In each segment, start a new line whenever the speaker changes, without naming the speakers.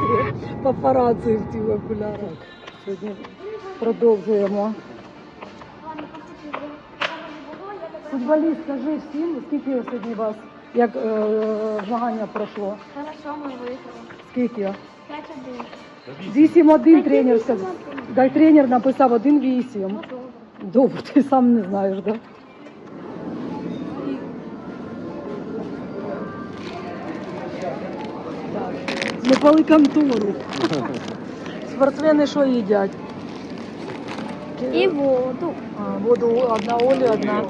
Папараці в тих окулярах. Сьогодні продовжуємо. Футболіст, скажи всім, скільки сьогодні вас, як змагання пройшло?
Хорошо, ми виграли.
Скільки?
5-1.
8-1 тренер сказав. Дай тренер написав 1-8. Добре, ти сам не знаєш, так? Да? Не пали контору. Спортсмени що їдять?
І воду.
Воду одна Олі, одна.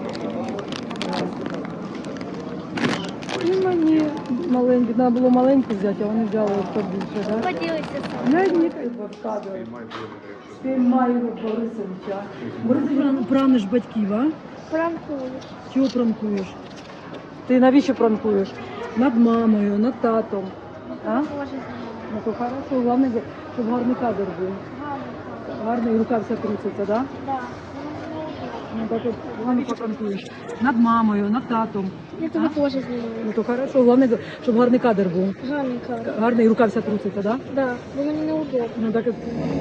І мені маленькі, треба було маленьку взяти, а вони взяли побільше, так?
Поділися сам.
Глянь, в кадр. Спіймай Борисовича. Борисович, праниш батьків, а?
Пранкуєш.
Чого пранкуєш? Ти навіщо пранкуєш? Над мамою, над татом. А?
Боже,
Ну то хорошо, головне, щоб гарний кадр був. Гарний, і рука вся труситься, так?
Да.
Ну так от, головне попранкуєш. Над мамою, над татом.
Я тебе теж знімаю.
Ну то хорошо, головне, щоб гарний кадр був.
Гарний кадр.
Гарний, і рука вся труситься, так?
Да, бо мені неудобно.
Ну так от.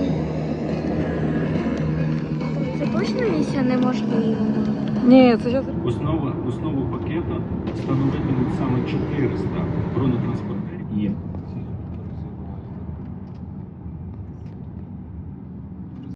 Це точно місія неможлива?
Ні, це зараз.
Основу пакету становитимуть саме 400 бронетранспортерів. І